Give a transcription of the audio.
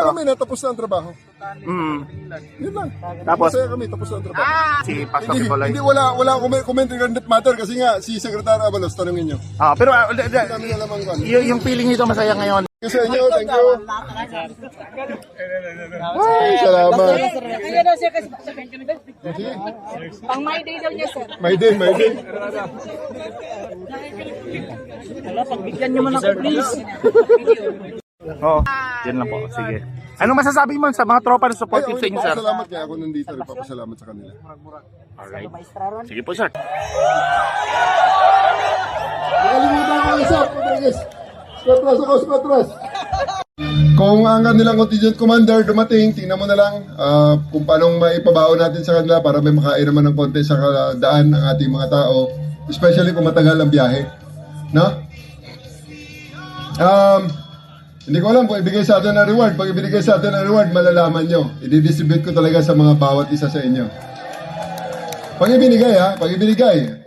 dito. kami na tapos na ang trabaho. Yun lang. Tapos, Masaya kami, tapos na ang trabaho. si Pastor Hindi, Kibuloy. hindi wala comment regarding that matter kasi nga si Secretary Abalos, tanungin nyo. Pero Dami na lamang kan. yung feeling nito masaya ngayon. Kasi inyo, thank you. Ay, salamat. Sige. Pang my day daw niya, sir. May din, may din. Pagbigyan niyo man ako, please. Oo, yan lang po. Sige. Ano masasabi mo sa mga tropa na supportive sa inyo, sir? Salamat kaya ako nandito. Nagpapasalamat sa kanila. Alright. Sige po, sir. Nakalimutan ko isa, Rodriguez. Spatras ako, Spatras. Kung ang kanilang contingent commander dumating, tingnan mo na lang kung paano maipabaon natin sa kanila para may makain naman ng konti sa daan ng ating mga tao. Especially kung matagal ang biyahe. No? Hindi ko alam kung ibigay sa atin ang reward. Pag ibigay sa atin ang reward, malalaman nyo. I-distribute ko talaga sa mga bawat isa sa inyo. Pag ibinigay,